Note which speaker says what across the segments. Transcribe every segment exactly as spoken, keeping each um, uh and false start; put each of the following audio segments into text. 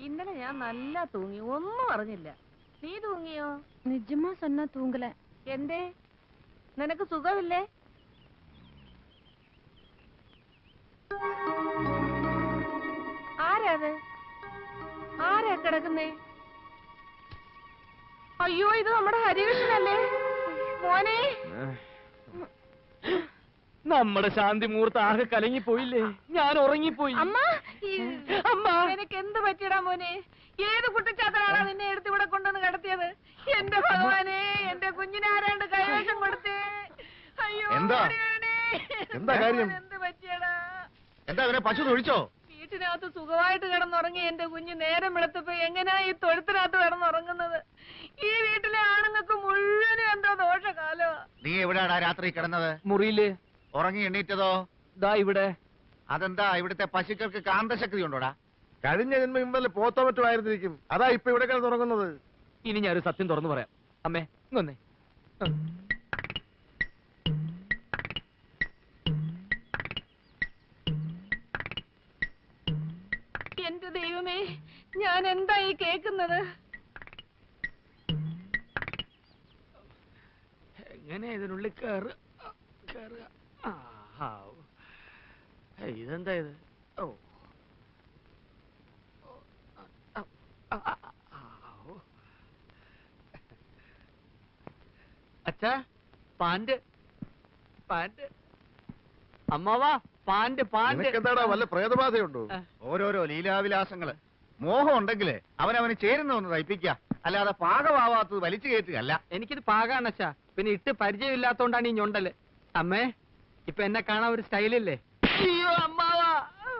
Speaker 1: ഇന്നലെ ഞാൻ നല്ല തൂങ്ങി, ഒന്നും അറിഞ്ഞില്ല. നീ തൂങ്ങിയോ?
Speaker 2: നിജമാ സന്ന തൂങ്ങല.
Speaker 1: എന്തേ, നിനക്ക് സുഖമില്ലേ? ആരാത്? ആരാ കിടക്കുന്നേ? അയ്യോ, ഇത് നമ്മുടെ ഹരികൃഷ്ണനല്ലേ മോനെ.
Speaker 3: നമ്മുടെ ശാന്തി മുഹൂർത്തം ആകെ കലങ്ങിപ്പോയില്ലേ? ഞാൻ ഉറങ്ങിപ്പോയി.
Speaker 1: അമ്മ, അമ്മ നിനക്ക് എന്ത് പറ്റിയടാ മോനെ? ഏത് കുട്ടിച്ചാത്തനാണ് നിന്നെ എടുത്ത് ഇവിടെ കൊണ്ടുവന്ന് കിടത്തിയത്? എന്റെ ഭഗവാനെ, എന്റെ കുഞ്ഞിനാരാണ്ട് കൈവേഷം കൊടുത്തേ. അയ്യോ,
Speaker 4: എന്താ എന്താ കാര്യം?
Speaker 1: എന്ത് പറ്റിയടാ?
Speaker 4: എന്താ അവനെ പശു തൊഴിച്ചോ?
Speaker 1: വീട്ടിനകത്ത് സുഖമായിട്ട് കിടന്നുറങ്ങി എന്റെ കുഞ്ഞ് നേരം വെളുത്തപ്പോ എങ്ങനെയാ ഈ തൊഴുത്തിനകത്ത് കിടന്നുറങ്ങുന്നത്? ഈ വീട്ടിലെ ആണുങ്ങൾക്ക് മുഴുവനും എന്തോ ദോഷകാലോ.
Speaker 4: നീ എവിടെയാടാ രാത്രി കിടന്നത്?
Speaker 3: മുറിയില്.
Speaker 4: ഉറങ്ങി എണ്ണീറ്റതോ?
Speaker 3: ദാ ഇവിടെ.
Speaker 4: അതെന്താ, ഇവിടുത്തെ പശുക്കൾക്ക് കാന്തശക്തി ഉണ്ടോടാ?
Speaker 5: കഴിഞ്ഞ ജന്മം ഇന്നലെ പോത്തോ മറ്റോ ആയിരുന്നിരിക്കും, അതാ ഇപ്പൊ ഇവിടെ കിടന്നുറങ്ങുന്നത്.
Speaker 3: ഇനി ഞാനൊരു സത്യം തുറന്നു പറയാം. അമ്മേ ഇങ്ങൊന്നേ.
Speaker 1: എന്റെ ദൈവമേ, ഞാൻ എന്താ ഈ കേക്കുന്നത്?
Speaker 3: എങ്ങനെ ഇതിനുള്ളിൽ കയറുക? ഇതെന്താ ഇത്? ഓ, അച്ഛാ, പാന്റ് പാന്റ് അമ്മാവാ, പാന്റ് പാന്റ്.
Speaker 5: എന്താടാ, വല്ല പ്രേതബാധയുണ്ടോ?
Speaker 4: ഓരോരോ ലീലാവിലാസങ്ങള്. മോഹം ഉണ്ടെങ്കിലേ അവനവന് ചേരുന്ന ഒന്ന് തയ്പ്പിക്ക, അല്ലാതെ പാകമാവാത്തത് വലിച്ചു കയറ്റുകയല്ല.
Speaker 3: എനിക്കിത് പാകാണ് അച്ഛാ, പിന്നെ ഇട്ട് പരിചയമില്ലാത്തോണ്ടാണ് ഈ ഞൊണ്ടല്. അമ്മേ, ഇപ്പൊ എന്നെ കാണാൻ ഒരു സ്റ്റൈലില്ലേ? അയ്യോ അമ്മാവാ.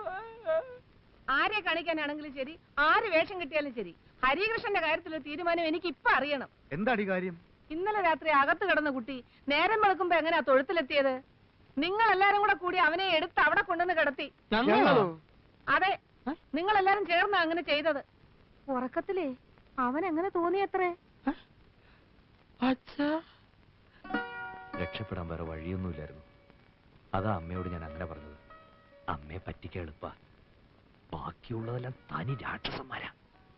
Speaker 1: ആരെ കാണിക്കാനാണെങ്കിലും ശരി, ആര് വേഷം കിട്ടിയാലും ശരി, ഹരികൃഷ്ണന്റെ കാര്യത്തിലൊരു തീരുമാനം എനിക്ക് ഇപ്പൊ അറിയണം.
Speaker 4: എന്താടി കാര്യം?
Speaker 1: ഇന്നലെ രാത്രി അകത്ത് കിടന്ന കുട്ടി നേരം വെളുക്കുമ്പോ എങ്ങനെയാ തൊഴുത്തിലെത്തിയത്? നിങ്ങൾ എല്ലാരും കൂടെ കൂടി അവനെ എടുത്ത് അവിടെ കൊണ്ടുവന്ന് കിടത്തി. അതെ, നിങ്ങൾ എല്ലാരും ചേർന്ന അങ്ങനെ ചെയ്തത്. ഉറക്കത്തിലേ അവൻ എങ്ങനെ തോന്നിയത്രേ?
Speaker 6: രക്ഷപ്പെടാൻ വേറെ വഴിയൊന്നുമില്ലായിരുന്നു. അതാ അമ്മയോട് ഞാൻ അങ്ങനെ പറഞ്ഞത്. അമ്മയെ പറ്റിക്കാൻ എളുപ്പ, ബാക്കിയുള്ളതെല്ലാം തനി രാക്ഷസന്മാരാ.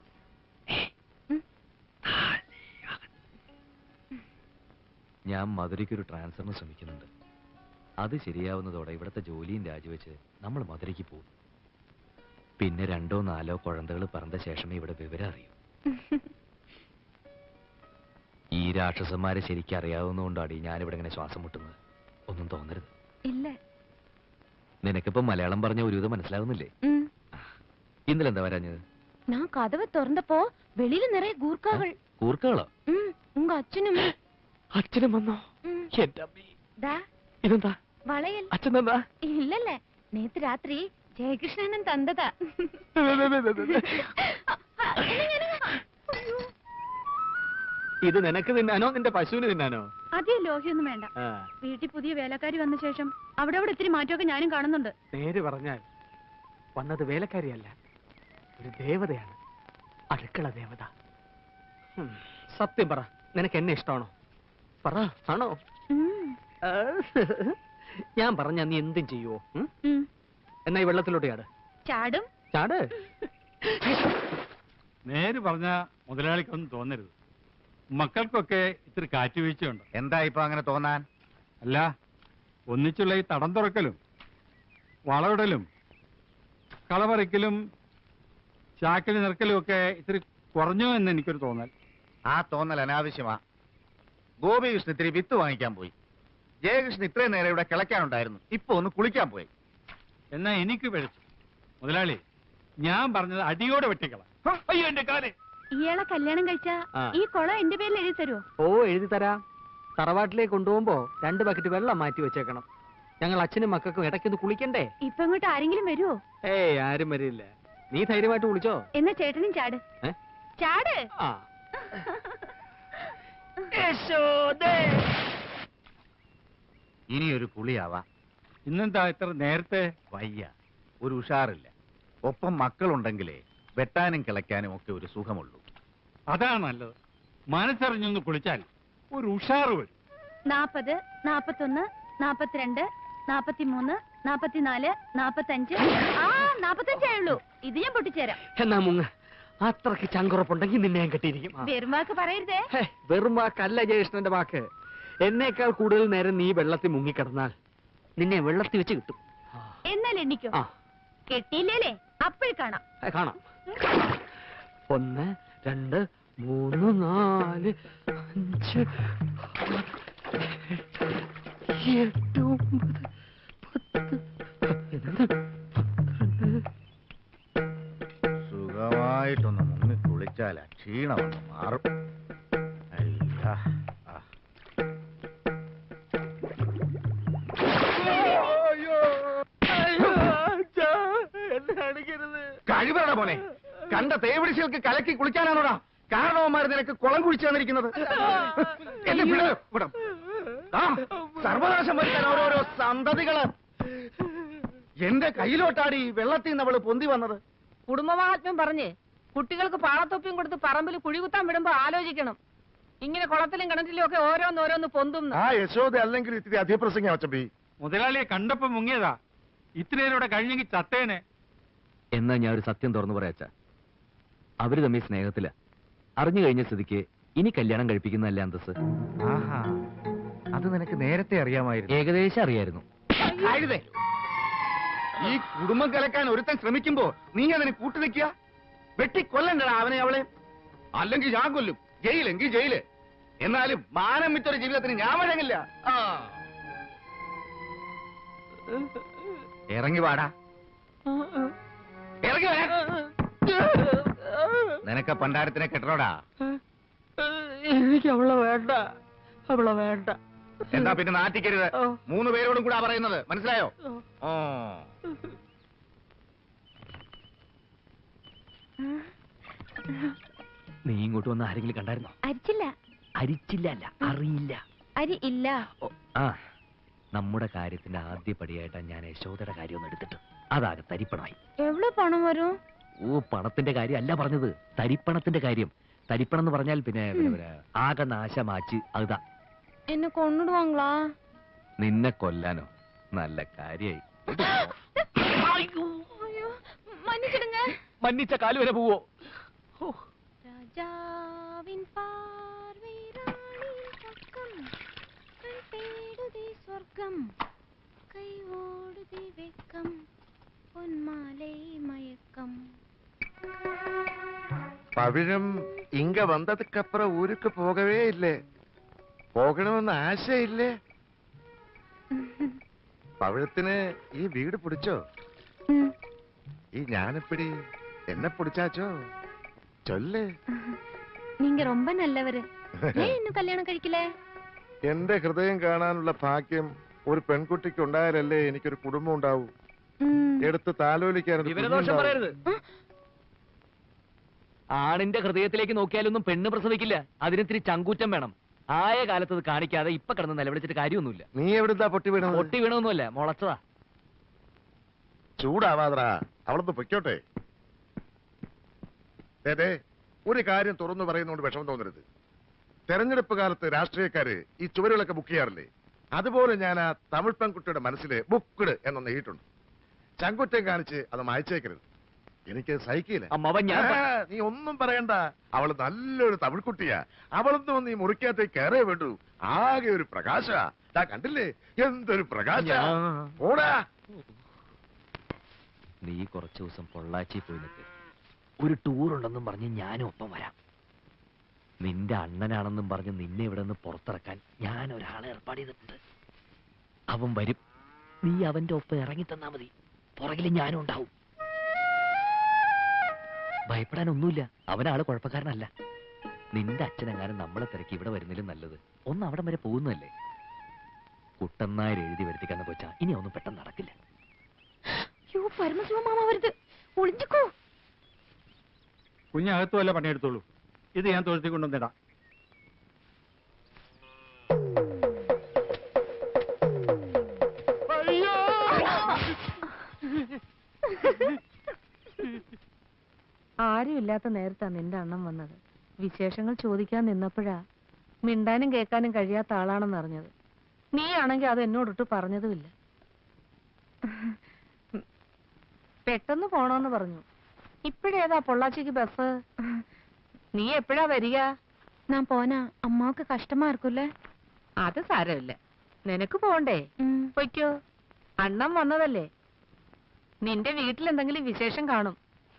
Speaker 6: ഞാൻ മധുരയ്ക്കൊരു ട്രാൻസ്ഫറിന് ശ്രമിക്കുന്നുണ്ട്. അത് ശരിയാവുന്നതോടെ ഇവിടുത്തെ ജോലിയും രാജിവെച്ച് നമ്മൾ മധുരയ്ക്ക് പോകും. പിന്നെ രണ്ടോ നാലോ കുഴന്തകൾ പറഞ്ഞ ശേഷമേ ഇവിടെ വിവരം അറിയൂ. ഈ രാക്ഷസന്മാരെ ശരിക്കും അറിയാവുന്നതുകൊണ്ടാണ് ഞാനിവിടെ ഇങ്ങനെ ശ്വാസം മുട്ടുന്നത്. ഒന്നും തോന്നരുത്.
Speaker 2: ഇല്ല.
Speaker 6: നിനക്കിപ്പോ മലയാളം പറഞ്ഞ ഒരുവിധം മനസ്സിലാവുന്നില്ലേ? ഇന്നലെ എന്താ വരാഞ്ഞത്?
Speaker 2: ഞാൻ കഥവ് തുറന്നപ്പോ വെളിയിൽ നിറയെ ഗൂർക്കകൾ.
Speaker 6: കൂർക്കകളോ?
Speaker 2: ഉങ്ക അച്ഛനും
Speaker 3: അച്ഛനും വന്നോ? ഇതെന്താ
Speaker 2: വളയൽ?
Speaker 3: അച്ഛൻ എന്താ?
Speaker 2: ഇല്ലല്ലേ, നേത്ത് രാത്രി ജയകൃഷ്ണനും തന്നതാ.
Speaker 3: ഇത് നിനക്ക് തിന്നാനോ നിന്റെ പശുവിന് തിന്നാനോ?
Speaker 2: അധികം ലോഹ്യൊന്നും വേണ്ട. വീട്ടിൽ പുതിയ വേലക്കാരി വന്ന ശേഷം അവിടെ അവിടെ ഇത്തിരി മാറ്റമൊക്കെ ഞാനും കാണുന്നുണ്ട്.
Speaker 3: നേര് പറഞ്ഞാൽ വന്നത് വേലക്കാരിയല്ല, ഒരു ദേവതയാണ്. അടുക്കള ദേവത. സത്യം പറ, നിനക്ക് എന്നെ ഇഷ്ടമാണോ? പറ, ആണോ? ഞാൻ പറഞ്ഞ നീ എന്തും ചെയ്യുവോ? എന്നാ ഈ വെള്ളത്തിലോട്ട് ചാട്.
Speaker 2: ചാടും.
Speaker 3: ചാട്.
Speaker 7: നേര് പറഞ്ഞ മുതലാളിക്കൊന്നും തോന്നരുത്. മക്കൾക്കൊക്കെ ഇത്തിരി കാറ്റുവീഴ്ചയുണ്ട്.
Speaker 4: എന്താ ഇപ്പൊ അങ്ങനെ തോന്നാൻ?
Speaker 7: അല്ല, ഒന്നിച്ചുള്ള ഈ തടം തുറക്കലും വളവിടലും കളപറിക്കലും ചാക്കിൽ നിറക്കലും ഒക്കെ ഇത്തിരി കുറഞ്ഞു എന്ന് എനിക്കൊരു തോന്നൽ.
Speaker 4: ആ തോന്നൽ അനാവശ്യമാ. ഗോപികൃഷ്ണൻ ഇത്തിരി വിത്ത് വാങ്ങിക്കാൻ പോയി. ജയകൃഷ്ണൻ ഇത്രയും നേരം ഇവിടെ കിളയ്ക്കാനുണ്ടായിരുന്നു, ഇപ്പൊ ഒന്ന് കുളിക്കാൻ പോയി.
Speaker 7: എന്നാ എനിക്ക് പിഴച്ചു. മുതലാളി, ഞാൻ പറഞ്ഞത് അടിയോടെ വെട്ടിക്കള. അയ്യോ എന്റെ കാലേ.
Speaker 2: ഇയാളെ കല്യാണം കഴിച്ചാ ഈ കുളം എന്റെ പേരിൽ എഴുതി തരുമോ?
Speaker 3: ഓ, എഴുതി തരാം. തറവാട്ടിലേക്ക് കൊണ്ടുപോകുമ്പോ രണ്ട് ബക്കറ്റ് വെള്ളം മാറ്റി വെച്ചേക്കണം. ഞങ്ങൾ അച്ഛനും മക്കൾക്കും ഇടയ്ക്കൊന്ന് കുളിക്കണ്ടേ?
Speaker 2: ഇപ്പൊ ഇങ്ങോട്ട് ആരെങ്കിലും വരുമോ?
Speaker 3: ഏയ്, ആരും വരില്ല. നീ ധൈര്യമായിട്ട് കുളിച്ചോ.
Speaker 2: എന്നാ ചേട്ടനും ചാട്. ചാട്.
Speaker 4: ഇനിയൊരു കുളിയാവാ.
Speaker 7: ഇന്നെന്താ ഇത്ര നേരത്തെ?
Speaker 4: വയ്യ, ഒരു ഉഷാറില്ല. ഒപ്പം മക്കളുണ്ടെങ്കിലേ വെട്ടാനും കിളയ്ക്കാനും ഒക്കെ ഒരു സുഖമുള്ളൂ.
Speaker 7: അതാണ് നല്ലത്. മനസ്സറിഞ്ഞൊന്ന് കുളിച്ചാൽ ഒരു ഉഷാറ് വരും.
Speaker 2: നാപ്പത്, നാപ്പത്തൊന്ന്, നാപ്പത്തിരണ്ട്, നാപ്പത്തിമൂന്ന്, നാപ്പത്തിനാല്, നാപ്പത്തഞ്ച്. ആ, നാപ്പത്തഞ്ചായുള്ളൂ. ഇത് ഞാൻ പൊട്ടിച്ചേരാം.
Speaker 3: എന്നാ മുങ്ങ. അത്രക്ക് ചങ്കുറപ്പുണ്ടെങ്കിൽ നിന്നെ ഞാൻ കെട്ടിയിരിക്കും. ആ.
Speaker 2: വെറുമാക്ക് പറയരുതേ.
Speaker 3: ഹേ, വെറും വാക്കല്ല ജയകൃഷ്ണന്റെ വാക്ക്. എന്നേക്കാൾ കൂടുതൽ നേരം നീ വെള്ളത്തിൽ മുങ്ങിക്കിടന്നാൽ നിന്നെ വെള്ളത്തിൽ വെച്ച് കിട്ടും.
Speaker 2: എന്നാൽ എണ്ണിക്കോ.
Speaker 3: ആ
Speaker 2: കെട്ടിയില്ലേ അപ്പോഴും കാണാം.
Speaker 3: ആ, കാണാം. ഒന്ന് രണ്ട് മൂന്ന് നാല് അഞ്ച് എട്ട് ഒമ്പത് പത്ത് പതിനൊന്ന് പന്ത്രണ്ട്.
Speaker 4: സുഖമായിട്ടൊന്ന് മുങ്ങി കുളിച്ചാൽ ക്ഷീണമൊന്ന് മാറും. അയ്യാ ആ. കഴിവറ പോലെ കണ്ട തേവിടിശകൾക്ക് കലക്കി കുളിക്കാനാണോടാ കാരണവന്മാർ നിനക്ക് കുളം കുഴിച്ചു തന്നിരിക്കുന്നത്? എന്നെ വിട് ഇവിടെ. ആ, സർവനാശം വരുത്താൻ ഓരോരോ സന്തതികള്. എന്റെ കയ്യിലോട്ടാടി വെള്ളത്തിൽ നിന്ന് അവള് പൊന്തി വന്നത്.
Speaker 1: കുടുംബമാഹാത്മ്യം പറഞ്ഞ് കുട്ടികൾക്ക് പാളത്തൊപ്പിയും കൊടുത്ത് പറമ്പിൽ കുഴികുത്താൻ വിടുമ്പോ ആലോചിക്കണം. ഇങ്ങനെ കുളത്തിലും കിണറ്റിലും ഒക്കെ ഓരോന്നോരോന്ന് പൊന്തും.
Speaker 5: ആ യശോദ അല്ലെങ്കിൽ ഇത്തിരി അധിപ്രസംഗം അച്ചമ്പി.
Speaker 7: മുതലാളിയെ കണ്ടപ്പോ മുങ്ങിയതാ. ഇത്രയേരോടെ കഴിഞ്ഞെങ്കിൽ ചത്തേനെ.
Speaker 6: എന്നാ ഞാൻ ഒരു സത്യം തുറന്നു പറയാച്ച, അവര് തമ്മിൽ സ്നേഹത്തില. അറിഞ്ഞു കഴിഞ്ഞ സ്ഥിതിക്ക് ഇനി കല്യാണം കഴിപ്പിക്കുന്നതല്ല അന്തസ്.
Speaker 4: ആഹാ, അത് നിനക്ക് നേരത്തെ അറിയാമായിരുന്നു.
Speaker 6: ഏകദേശം അറിയായിരുന്നു.
Speaker 4: ആയുധേ, ഈ കുടുംബം കലക്കാൻ ഒരുത്തൻ ശ്രമിക്കുമ്പോ നീ അതിന് കൂട്ടുനിൽക്കുക. വെട്ടിക്കൊല്ലണ്ടടാ അവനെ അവളെ. അല്ലെങ്കിൽ ഞാൻ കൊല്ലും. ജയിലെങ്കിൽ ജയില്. എന്നാലും മാനം വിറ്റൊരു ജീവിതത്തിന് ഞാൻ വഴങ്ങില്ല. ആ, ഇറങ്ങി വാടാ, ഇറങ്ങി വരാ. നിനക്ക് പണ്ടാരത്തിനെ കെട്ടണോടാ.
Speaker 3: എനിക്ക് അവളെ വേണ്ട, അവളെ വേണ്ട.
Speaker 4: എന്താ പിന്നെ നാട്ടിക്കരുത്. മൂന്ന് പേരോടും കൂടാ പറയുന്നത്, മനസ്സിലായോ? ഓ,
Speaker 6: നീ ഇങ്ങോട്ട് വന്ന് ആരെങ്കിലും കണ്ടായിരുന്നോ?
Speaker 2: അരിച്ചില്ല.
Speaker 6: അരിച്ചില്ല അല്ല, അറിയില്ല.
Speaker 2: അരി ഇല്ല.
Speaker 6: ഓ, ആ നമ്മുടെ കാര്യത്തിന്റെ ആദ്യ പടിയായിട്ടാണ് ഞാൻ യശോദയുടെ കാര്യം ഒന്ന് എടുത്തിട്ട് അതാകെ തരിപ്പണമായി.
Speaker 2: എവിടെ പണം വരും?
Speaker 6: ഓ, പണത്തിന്റെ കാര്യം അല്ല പറഞ്ഞത്, തരിപ്പണത്തിന്റെ കാര്യം. തരിപ്പണം എന്ന് പറഞ്ഞാൽ പിന്നെ പിന്നെ, പിന്നെ, ആകെ നാശമാച്ച് അതാ.
Speaker 2: എന്നെ കൊണ്ടിടുവാങ്ങളാ?
Speaker 6: നിന്നെ കൊല്ലാനോ? നല്ല കാര്യായി.
Speaker 2: മன்னிச்சிடுங்க.
Speaker 6: മന്നിച്ച കാല് വരെ പോവോ?
Speaker 2: രാജാവിൻ പാർവൈ റാണിൻ പക്കം തേടുതി സ്വർഗം കൈ ഓടുതി വെക്കം പൊന്മാലൈ മയക്കം.
Speaker 5: പവിഴം ഇങ്ക വന്നതുക്കപ്പുറം ഊருக்கு പോകവേ ഇല്ലേ? പോകണമെന്ന് ആശയില്ലേ? പവിഴത്തിന് ഈ വീട് പിടിച്ചോ? ഈ ഞാനെപ്പിടി എന്നെ പിടിച്ചാച്ചോ? ചൊല്ല്.
Speaker 2: நீங்க ரொம்ப நல்லவரு. ஏன் இன்னும் கல்யாணம் കഴിക്കില്ല?
Speaker 5: എന്റെ ഹൃദയം കാണാനുള്ള ഭാഗ്യം ഒരു പെൺകുട്ടിക്ക് ഉണ്ടായാലല്ലേ എനിക്കൊരു കുടുംബം ഉണ്ടാവൂ. എടുത്ത് താലോലിക്കാൻ
Speaker 6: വിവരദോഷം പറയരുത്. ആണിന്റെ ഹൃദയത്തിലേക്ക് നോക്കിയാലൊന്നും പെണ്ണ് പ്രസവിക്കില്ല. അതിനിത്തിരി ചങ്കൂറ്റം വേണം. ആയ കാലത്ത് അത് കാണിക്കാതെ ഇപ്പൊ കിടന്ന് നിലവിളിച്ചിട്ട് കാര്യമൊന്നുമില്ല.
Speaker 5: നീ എവിടുന്നാ പൊട്ടി വീണത്?
Speaker 6: പൊട്ടി വീണൊന്നുമല്ല, മുളച്ചതാ.
Speaker 5: ചൂടാവാതറാ, അവളൊന്ന് പൊയ്ക്കോട്ടെ. അതെ, ഒരു കാര്യം തുറന്നു പറയുന്നതുകൊണ്ട് വിഷമം തോന്നരുത്. തെരഞ്ഞെടുപ്പ് കാലത്ത് രാഷ്ട്രീയക്കാര് ഈ ചുവരുകളൊക്കെ ബുക്ക് ചെയ്യാറില്ലേ? അതുപോലെ ഞാൻ ആ തമിഴ് പെൺകുട്ടിയുടെ മനസ്സിൽ ബുക്ക്ഡ് എന്നൊന്ന് എഴുതിയിട്ടുണ്ട്. ചങ്കുറ്റം കാണിച്ച് അത് മായച്ചേക്കരുത്. എനിക്ക് സഹിക്കില്ല.
Speaker 6: അമ്മാവൻ ഞാൻ
Speaker 5: ആ, നീ ഒന്നും പറയണ്ട. അവള് നല്ലൊരു തമിഴ് കുട്ടിയാ. അവളൊന്നും നീ മുറിക്കകത്തേക്ക് കയറേ വേണ്ടു. ആകെ ഒരു പ്രകാശ. കണ്ടില്ലേ എന്തൊരു പ്രകാശ. ഓടാ.
Speaker 6: നീ കുറച്ചു ദിവസം പൊള്ളാച്ചി പോയി നിൽക്ക്. ഒരു ടൂർ ഉണ്ടെന്നും പറഞ്ഞ് ഞാനും ഒപ്പം വരാം. നിന്റെ അണ്ണനാണെന്നും പറഞ്ഞ് നിന്നെ ഇവിടെ നിന്ന് പുറത്തിറക്കാൻ ഞാൻ ഒരാളെ ഏർപ്പാട് ചെയ്തിട്ടുണ്ട്. അവൻ വരും. നീ അവന്റെ ഒപ്പം ഇറങ്ങി തന്നാ മതി. പുറകിൽ ഞാനും ഉണ്ടാവും. ഭയപ്പെടാനൊന്നുമില്ല. അവനാള് കുഴപ്പക്കാരനല്ല. നിന്റെ അച്ഛനെങ്ങാനും നമ്മളെ തിരക്കി ഇവിടെ വരുന്നതിലും നല്ലത് ഒന്ന് അവിടം വരെ പോകുന്നതല്ലേ. കുട്ടന്നായർ എഴുതി വരുത്തിക്കാന്ന് വെച്ചാ ഇനി ഒന്നും പെട്ടെന്ന് നടക്കില്ല.
Speaker 2: യോ പരമശിവ മാമ വരുത്. ഒളിഞ്ഞിക്കോ.
Speaker 7: കുഞ്ഞകത്തു വല്ല പണിയെടുത്തോളൂ. ഇത് ഞാൻ തൊഴുത്തി കൊണ്ടുവന്നിടാം.
Speaker 1: ആരുമില്ലാത്ത നേരത്താ നിന്റെ അണ്ണം വന്നത്. വിശേഷങ്ങൾ ചോദിക്കാൻ നിന്നപ്പോഴാ മിണ്ടാനും കേൾക്കാനും കഴിയാത്ത ആളാണെന്ന് അറിഞ്ഞത്. നീ ആണെങ്കിൽ അത് എന്നോടിട്ട് പറഞ്ഞതുമില്ല. പെട്ടെന്ന് പോണോന്ന് പറഞ്ഞു. ഇപ്പഴേതാ പൊള്ളാച്ചിക്ക് ബസ്? നീ എപ്പോഴാ വരിക?
Speaker 2: ഞാൻ പോനാ അമ്മാക്ക് കഷ്ടമാ இருக்குல்ல?
Speaker 1: അത് സാരമില്ല, നിനക്ക് പോണ്ടേ? പൊയ്ക്കോ, അണ്ണം വന്നതല്ലേ. നിന്റെ വീട്ടിൽ എന്തെങ്കിലും വിശേഷം കാണും.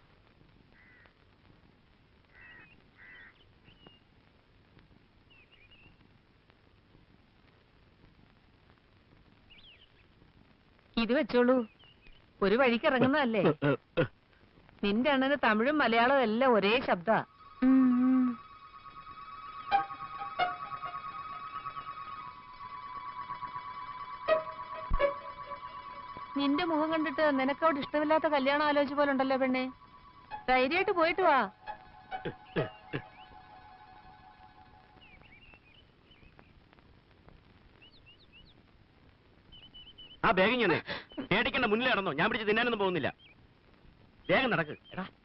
Speaker 1: ഇത് വെച്ചോളൂ, ഒരു വഴിക്ക് ഇറങ്ങുന്നതല്ലേ. നിന്റെ അണ്ണന് തമിഴും മലയാളവും എല്ലാം ഒരേ ശബ്ദ. നിന്റെ മുഖം കണ്ടിട്ട് നിനക്കവിടെ ഇഷ്ടമില്ലാത്ത കല്യാണം ആലോചിച്ച പോലെ ഉണ്ടല്ലോ പെണ്ണെ. ധൈര്യമായിട്ട് പോയിട്ട് വാ.
Speaker 8: ആ ബാഗ് ഇങ്ങനെ പേടിക്കണ്ട, മുന്നിൽ നടന്നോ, ഞാൻ പിടിച്ച് തിന്നാനൊന്നും പോകുന്നില്ല. വേഗം നടക്ക്.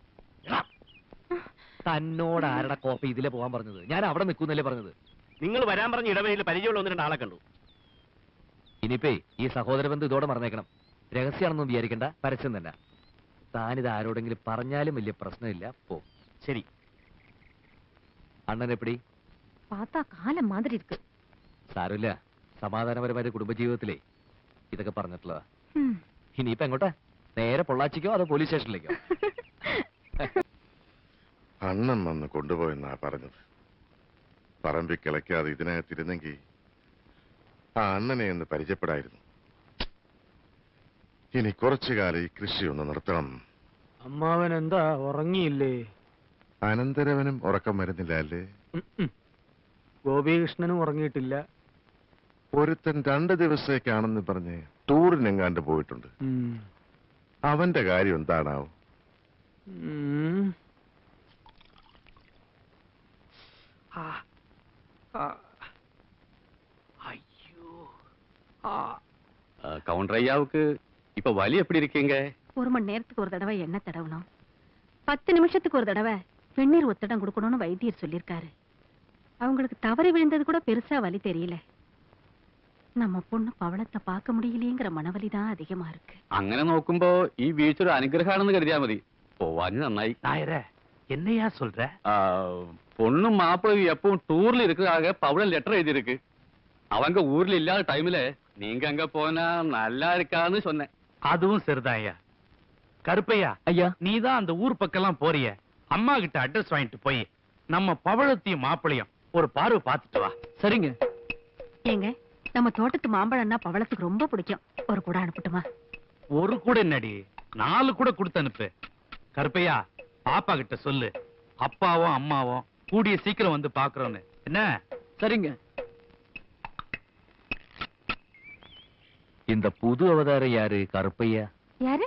Speaker 6: തന്നോട് ആരുടെ കോപ്പി ഇതിലെ പോകാൻ പറഞ്ഞത്? ഞാൻ അവിടെ നിൽക്കുന്നല്ലേ പറഞ്ഞത്.
Speaker 8: നിങ്ങൾ വരാൻ പറഞ്ഞ ഇടവഴിയിൽ പരിചയമുള്ള ഒന്ന് രണ്ടാളെ കണ്ടു.
Speaker 6: ഇനിയിപ്പേ ഈ സഹോദര ബന്ധം ഇതോടെ മറന്നേക്കണം. രഹസ്യമാണെന്നും വിചാരിക്കണ്ട, പരസ്യം തന്നെ. താനിത് ആരോടെങ്കിലും പറഞ്ഞാലും വലിയ പ്രശ്നമില്ല. പോ.
Speaker 8: ശരി.
Speaker 6: അണ്ണൻ എപ്പടി?
Speaker 2: പാത്താ കാലം മാതിരി ഇരിക്ക്.
Speaker 6: സാരമില്ല, സമാധാനപരമായ കുടുംബജീവിതത്തിലേ ഇതൊക്കെ പറഞ്ഞിട്ടുള്ളതാ. ഇനിയിപ്പോ എങ്ങോട്ടാ? നേരെ പൊള്ളാച്ചിക്കോ അതോ പോലീസ് സ്റ്റേഷനിലേക്കോ?
Speaker 5: അണ്ണൻ വന്ന് കൊണ്ടുപോയെന്നാ പറഞ്ഞത്. പറമ്പി കിളയ്ക്കാതെ ഇതിനകത്തിരുന്നെങ്കിൽ ആ അണ്ണനെ ഒന്ന് പരിചയപ്പെടായിരുന്നു. ഇനി കുറച്ചു കാലം ഈ കൃഷി ഒന്ന് നിർത്തണം.
Speaker 3: അമ്മാവൻ എന്താ ഉറങ്ങിയില്ലേ?
Speaker 5: അനന്തരവനും ഉറക്കം വരുന്നില്ല അല്ലേ?
Speaker 3: ഗോപികൃഷ്ണനും ഉറങ്ങിയിട്ടില്ല.
Speaker 5: ഒരുത്തൻ രണ്ട് ദിവസത്തേക്കാണെന്ന് പറഞ്ഞ് ടൂറിനെങ്ങാണ്ട് പോയിട്ടുണ്ട്. അവന്റെ കാര്യം എന്താണാവും?
Speaker 8: கவுண்டர் ஐயாவுக்கு இப்ப வலி எப்படி இருக்கீங்க?
Speaker 2: ஒரு மணி நேரத்துக்கு ஒரு தடவை எண்ணெய் தடவணும், பத்து நிமிஷத்துக்கு ஒரு தடவை வெந்நீர் ஒத்தடம் கொடுக்கணும்னு வைத்தியர் சொல்லியிருக்காரு. அவங்களுக்கு தவறி விழுந்தது கூட பெருசா வலி தெரியல. நம்ம பொண்ணு பவளத்தை பார்க்க முடியலையேங்கிற மனவலி தான் அதிகமா இருக்கு.
Speaker 8: അങ്ങനെ നോക്കുമ്പോ ഈ വീഴ്ച ഒരു അനുഗ്രഹമാണെന്ന് കരുതിയാ മതി. പോവാന് നന്നായി.
Speaker 3: നായരെ, என்னையா சொல்ற?
Speaker 8: பொண்ணும் மாப்பிள்ளையும் எப்பவும் டூர்ல இருக்கிறதாக பவளம் லெட்டர் எழுதியிருக்கு. அவங்க ஊர்ல இல்லாத டைம்ல நீங்க அங்க போனா நல்லா இருக்கான்னு சொன்னேன்.
Speaker 7: அதுவும் சரிதான் ஐயா. கருப்பையா
Speaker 6: ஐயா,
Speaker 7: நீதான் அந்த ஊர் பக்கம்லாம் போறிய, அம்மா கிட்ட அட்ரஸ் வாங்கிட்டு போய் நம்ம பவளத்தையும் மாப்பிளையும் ஒரு பார்வை பார்த்துட்டு வா.
Speaker 6: சரிங்க.
Speaker 2: ஏங்க, நம்ம தோட்டத்து மாம்பழம்னா பவளத்துக்கு ரொம்ப பிடிக்கும். ஒரு கூட அனுப்பட்டுமா?
Speaker 7: ஒரு கூட என்னடி, நாலு கூட கொடுத்து அனுப்பு. கருப்பையா, பாப்பா கிட்ட சொல்லு அப்பாவும் அம்மாவும் கூடிய சீக்கிரம் வந்து பாக்குறோன்னு. என்ன?
Speaker 6: சரிங்க. இந்த புது அவதாரம் யாரு? கருப்பையா
Speaker 2: யாரு?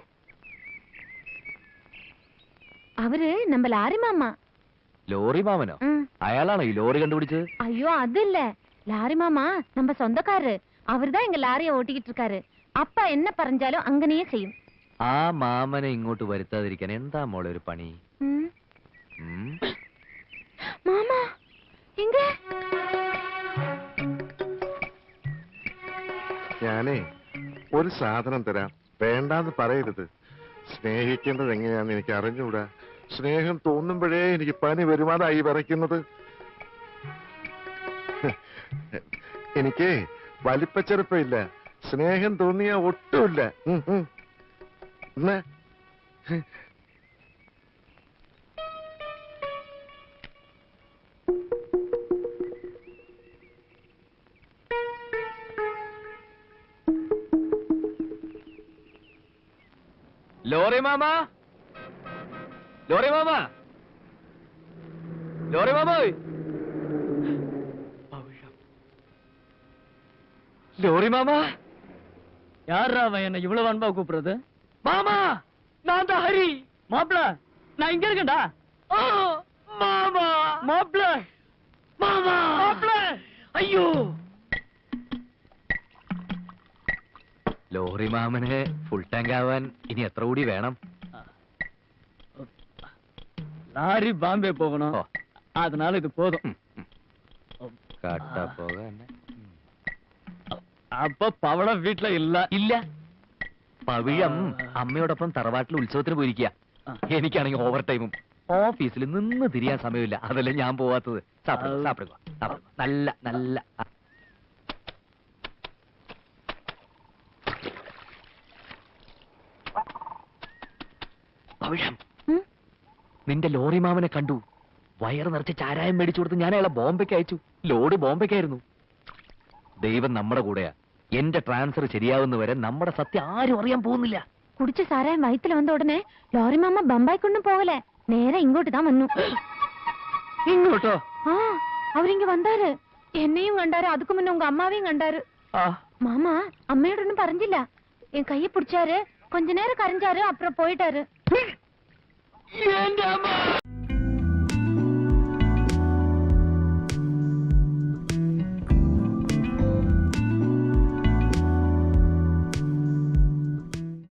Speaker 2: அவரு நம்ம லாரி மாமா.
Speaker 6: ലോറി മാമനോ? അയാളാണോ ഈ ലോറി കണ്ടുപിടിച്ചത്?
Speaker 2: ஐயோ அது இல்ல, லாரி மாமா நம்ம சொந்தக்காரரு. அவர்தான் எங்க லாரியை ஓட்டிக்கிட்டு இருக்காரு. அப்பா என்ன பறஞ்சாலும் அங்கனையே செய்யும்.
Speaker 6: ആ മാമനെ ഇങ്ങോട്ട് വരുത്താതിരിക്കാൻ എന്താ മോളെ ഒരു പണി?
Speaker 2: ம்.
Speaker 6: ഉം?
Speaker 2: மாமா எங்க?
Speaker 5: ഞാനേ ഒരു സാധനം തരാം, വേണ്ടാന്ന് പറയരുത്. സ്നേഹിക്കേണ്ടത് എങ്ങനെയാന്ന് എനിക്ക് അറിഞ്ഞുകൂടാ. സ്നേഹം തോന്നുമ്പോഴേ എനിക്ക് പനി വരുമാനായി വിറയ്ക്കുന്നത്. എനിക്ക് വലിപ്പച്ചെറുപ്പമില്ല, സ്നേഹം തോന്നിയ ഒട്ടുമില്ല. ഉം, ഉം. എന്നാ
Speaker 6: ലോറി മാമ, ലോറി മാമ, ലോറി മാമ, ലോറി മാമ.
Speaker 3: யாரா அவன் என்ன இவ்வளவு அன்பா கூப்பிடுறது? மாமா, நான் தான் ஹரி. மாப்பிள, நான் இங்க இருக்கேன்டா. மாமா, மாப்பிள, மாமா, மாப்பிள. ஐயோ,
Speaker 6: ലോറി മാമന് ഫുൾ ടാങ്ക് ആവാൻ ഇനി എത്ര കൂടി വേണം?
Speaker 3: லாரி பாம்பே போகணும்,
Speaker 6: ഓ,
Speaker 3: அதனால இது போதும்.
Speaker 6: കട്ട പോക.
Speaker 3: அப்ப പവളം വീട്ടില ഇല്ല.
Speaker 6: ഇല്ല, പവിഴം അമ്മയോടൊപ്പം തറവാട്ടിൽ ഉത്സവത്തിന് പോയിരിക്കുക. എനിക്കാണെങ്കിൽ ഓവർ ടൈമും ഓഫീസിൽ നിന്ന് തിരിയാൻ സമയമില്ല. അതല്ലേ ഞാൻ പോവാത്തത്. സാപ്പിടുക സാപ്പിടുക സാപ്പിടുക. നല്ല നല്ല പവിഴം, നിന്റെ ലോറി മാമനെ കണ്ടു. വയറ് നിറച്ച് ചാരായം മേടിച്ചു കൊടുത്ത് ഞാൻ അയാളെ ബോംബെക്ക് അയച്ചു. ലോഡ് ബോംബെക്കായിരുന്നു. ദൈവം നമ്മുടെ കൂടെയാ. എന്റെ ട്രാൻസ്ഫർ ശരിയാവുന്നവരെ നമ്മുടെ സത്യം ആരും അറിയാൻ പോകുന്നില്ല.
Speaker 2: കുടിച്ച സാരായം വയറ്റിൽ വന്ന ഉടനെ ലോറി മാമ ബമ്പായിക്കൊണ്ടും പോകലേ, നേരെ ഇങ്ങോട്ട് താൻ വന്നു.
Speaker 6: ഇങ്ങോട്ടോ?
Speaker 2: ആ, അവരിങ്ങ വந்தாரு. എന്നെയും കണ്ടാரு, അതുக்கு മുന്നേ உங்க அம்மாவையும் கண்டாரு. மாமா அம்மையோட ஒன்னும் பறஞ்சிല്ല. என் கையை பிடிச்சாரு, கொஞ்ச நேரம் கரைஞ்சாரு, அப்புறம் போயிட்டாரு.